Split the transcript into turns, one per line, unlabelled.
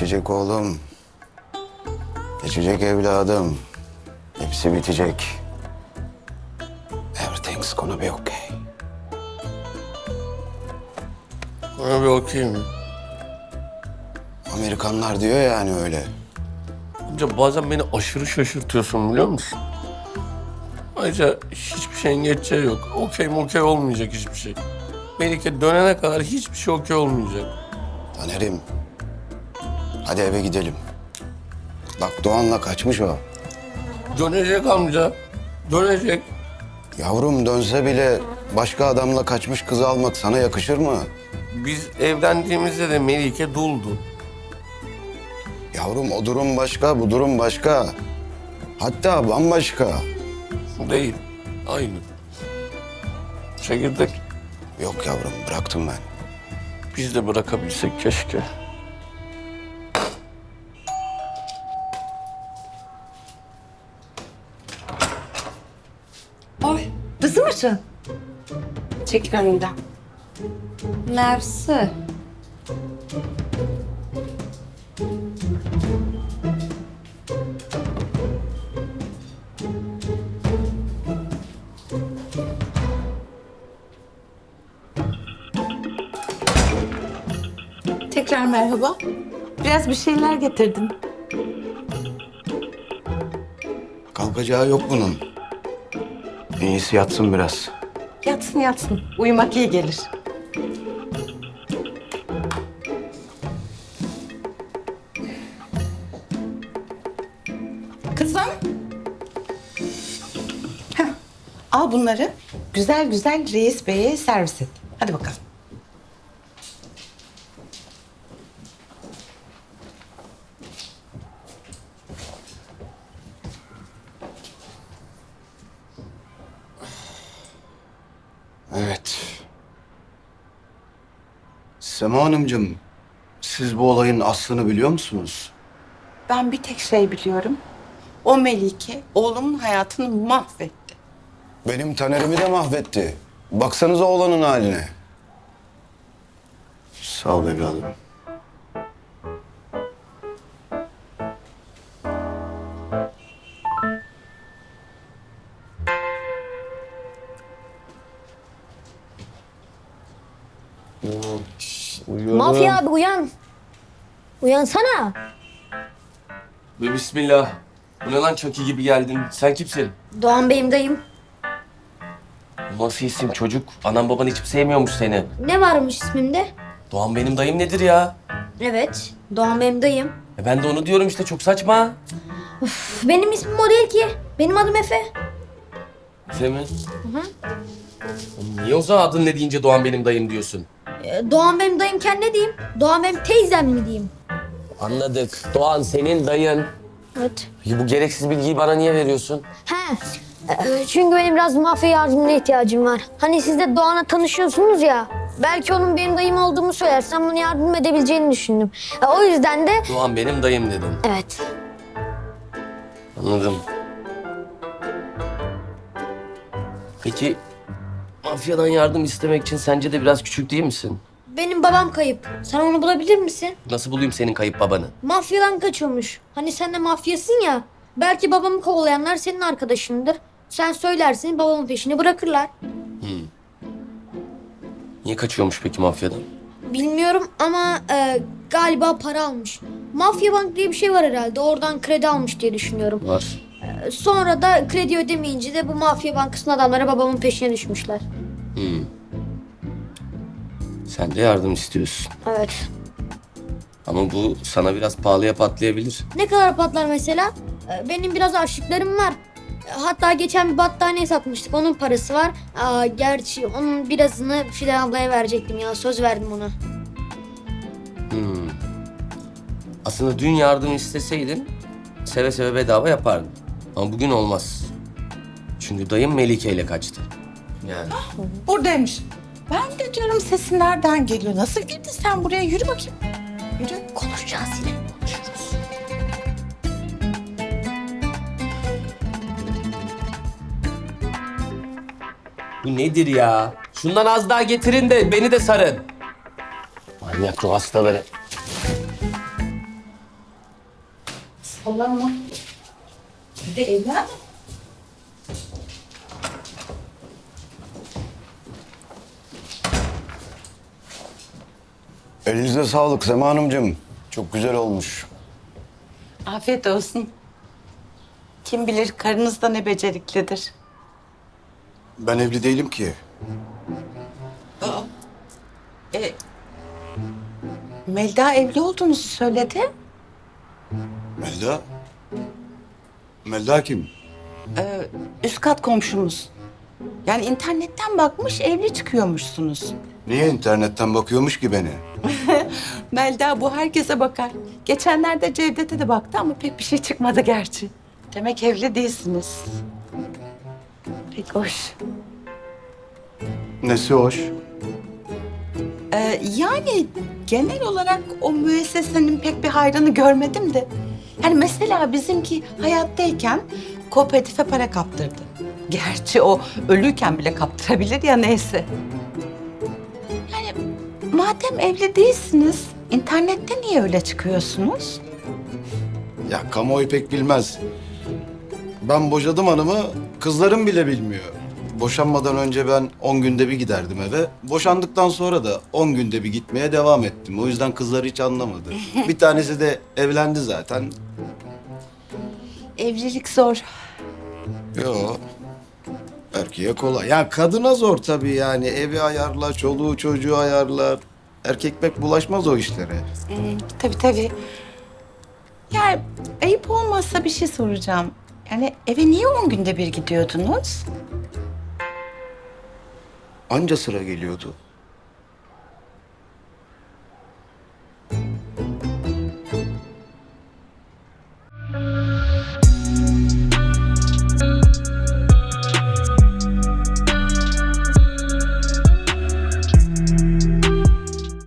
Geçecek oğlum. Geçecek evladım. Hepsi bitecek. Everything's gonna be okay.
Bana bir okey mi?
Amerikanlar diyor yani öyle.
Amca bazen beni aşırı şaşırtıyorsun biliyor musun? Ayrıca hiçbir şeyin geçeceği yok. Okey olmayacak hiçbir şey. Melike dönene kadar hiçbir şey okey olmayacak.
Taner'im. Hadi eve gidelim. Bak Doğan'la kaçmış o.
Dönecek amca. Dönecek.
Yavrum dönse bile başka adamla kaçmış kızı almak sana yakışır mı?
Biz evlendiğimizde de Melike duldu.
Yavrum o durum başka, bu durum başka. Hatta bambaşka.
Değil. Aynı. Çekirdek.
Yok yavrum bıraktım ben.
Biz de bırakabilsek keşke.
Oy, kızım mısın? Çekil önümden. Mersi. Tekrar merhaba. Biraz bir şeyler getirdim.
Kalkacağı yok bunun. En iyisi yatsın biraz.
Yatsın yatsın. Uyumak iyi gelir. Kızım. Heh, al bunları. Güzel güzel reis beye servis et. Hadi bakalım.
Evet. Sema Hanımcığım, siz bu olayın aslını biliyor musunuz?
Ben bir tek şey biliyorum. O Melike oğlumun hayatını mahvetti.
Benim Taner'imi de mahvetti. Baksanıza oğlanın haline. Sağ ol evladım.
Uyuyorum.
Mafya abi uyan. Uyansana.
Ve bismillah. Bu ne lan Chucky gibi geldin? Sen kimsin?
Doğan Bey'im dayım.
Nasıl isim çocuk? Anan baban hiç sevmiyormuş seni.
Ne varmış ismimde?
Doğan benim dayım nedir ya?
Evet, Doğan Bey'im dayım.
Ben de onu diyorum işte çok saçma.
Üf, benim ismim o değil ki. Benim adım Efe.
Efe mi? Oğlum niye o zaman adın ne deyince Doğan benim dayım diyorsun?
Doğan Bey'im dayımken ne diyeyim? Doğan Bey'im teyzem mi diyeyim?
Anladık. Doğan senin dayın.
Evet.
Peki bu gereksiz bilgiyi bana niye veriyorsun?
He. Çünkü benim biraz mafya yardımına ihtiyacım var. Hani siz de Doğan'la tanışıyorsunuz ya. Belki onun benim dayım olduğumu söylersem bana yardım edebileceğini düşündüm. O yüzden de...
Doğan benim dayım dedin.
Evet.
Anladım. Peki mafyadan yardım istemek için sence de biraz küçük değil misin?
Benim babam kayıp. Sen onu bulabilir misin?
Nasıl bulayım senin kayıp babanı?
Mafyadan kaçıyormuş. Hani sen de mafyasın ya. Belki babamı kovalayanlar senin arkadaşındır. Sen söylersin babamın peşini bırakırlar.
Niye kaçıyormuş peki mafyadan?
Bilmiyorum ama galiba para almış. Mafya bank diye bir şey var herhalde. Oradan kredi almış diye düşünüyorum.
Var.
Sonra da kredi ödemeyince de bu mafya bankasının adamları babamın peşine düşmüşler.
Sen de yardım istiyorsun.
Evet.
Ama bu sana biraz pahalıya patlayabilir.
Ne kadar patlar mesela? Benim biraz harçlıklarım var. Hatta geçen bir battaniye satmıştık. Onun parası var. Gerçi onun birazını Fidan ablaya verecektim ya. Söz verdim ona.
Aslında dün yardım isteseydin seve seve bedava yapardım. Ama bugün olmaz. Çünkü dayım Melike ile kaçtı. Yani.
Buradaymış. Ben de diyorum sesin nereden geliyor? Nasıl girdin sen buraya? Yürü bakayım. Yürü.
Konuşacağız yine. Konuşuruz.
Bu nedir ya? Şundan az daha getirin de beni de sarın. Manyak ruh hastaları.
Sallanma. Bir de evladım.
Elinize sağlık Sema Hanımcığım. Çok güzel olmuş.
Afiyet olsun. Kim bilir karınız da ne beceriklidir.
Ben evli değilim ki.
Melda evli olduğunuzu söyledi.
Melda? Melda kim?
Üst kat komşumuz. Yani internetten bakmış evli çıkıyormuşsunuz.
Niye internetten bakıyormuş ki beni?
Melda bu herkese bakar. Geçenlerde Cevdet'e de baktı ama pek bir şey çıkmadı gerçi. Demek evli değilsiniz. Pek hoş.
Nesi hoş?
Yani genel olarak o müessesenin pek bir hayrını görmedim de. Yani mesela bizimki hayattayken kooperatife para kaptırdı. Gerçi o ölüyken bile kaptırabilir ya neyse. Yani madem evli değilsiniz, internette niye öyle çıkıyorsunuz?
Ya kamuoyu pek bilmez. Ben boşadım hanımı, kızlarım bile bilmiyor. Boşanmadan önce ben 10 günde bir giderdim eve. Boşandıktan sonra da 10 günde bir gitmeye devam ettim. O yüzden kızlar hiç anlamadı. Bir tanesi de evlendi zaten.
Evlilik zor.
Yo. Erkeğe kolay. Ya kadına zor tabii yani. Evi ayarla, çoluğu çocuğu ayarla. Erkek pek bulaşmaz o işlere.
Tabii tabii. Yani ayıp olmazsa bir şey soracağım. Yani eve niye 10 günde bir gidiyordunuz?
Anca sıra geliyordu.